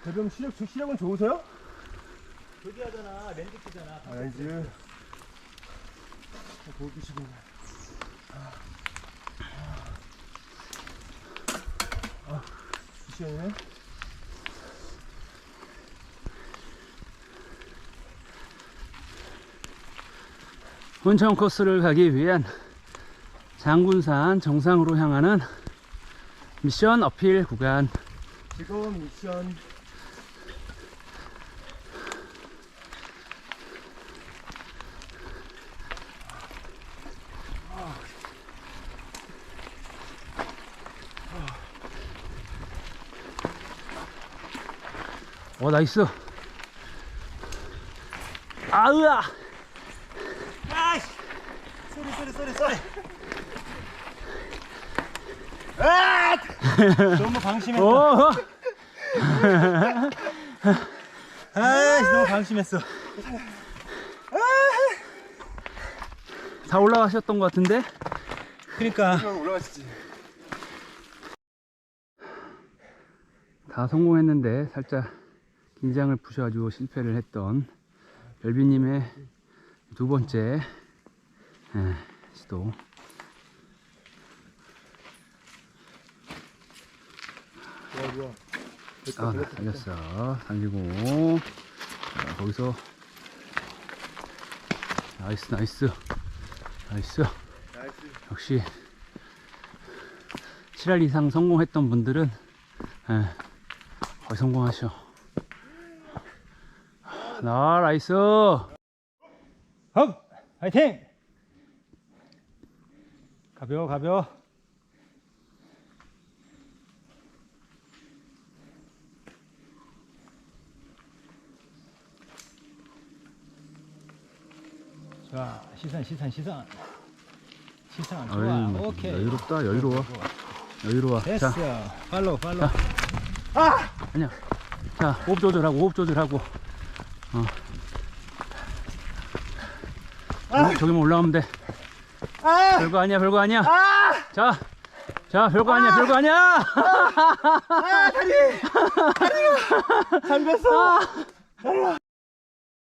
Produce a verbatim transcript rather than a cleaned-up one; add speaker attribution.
Speaker 1: 대병 시력, 시력은 좋으세요?
Speaker 2: 저기 하잖아, 렌즈 끼잖아.
Speaker 1: 아, 렌즈. 보기 시고. 아, 시원해.
Speaker 3: 온천 코스를 가기 위한 장군산 정상으로 향하는 미션 어필 구간.
Speaker 1: 지금 미션
Speaker 3: 어, 나이스. 아으아.
Speaker 2: 아이씨! 쏘리, 쏘리, 쏘리, 쏘리! 아! 너무 방심했어.
Speaker 3: 오.
Speaker 2: 아이씨, 너무 방심했어.
Speaker 3: 다 올라가셨던 것 같은데?
Speaker 2: 그니까.
Speaker 1: 올라가시지.
Speaker 3: 다 성공했는데 살짝 긴장을 푸셔가지고 실패를 했던 별비님의 두 번째 에, 시도.
Speaker 1: 좋아, 좋아.
Speaker 3: 아, 나 살렸어. 살리고. 자, 거기서. 나이스, 나이스. 나이스.
Speaker 1: 나이스.
Speaker 3: 역시. 칠 할 이상 성공했던 분들은, 에, 거의 성공하셔. 나, 나이스.
Speaker 2: 업! 화이팅! 가벼워, 가벼워. 자, 시선, 시선, 시선. 시선, 좋아.
Speaker 3: 어이,
Speaker 2: 오케이.
Speaker 3: 여유롭다, 여유로워. 여유로워.
Speaker 2: 됐어.
Speaker 3: 자,
Speaker 2: 팔로우, 팔로우.
Speaker 3: 자. 아니야. 자, 호흡 조절하고, 호흡 조절하고. 어. 저기, 저기만 올라가면 돼.
Speaker 2: 아!
Speaker 3: 별거 아니야, 별거 아니야.
Speaker 2: 아!
Speaker 3: 자, 자, 별거 아니야, 별거 아니야.
Speaker 2: 아, 다리! 다리가! 잠겼어!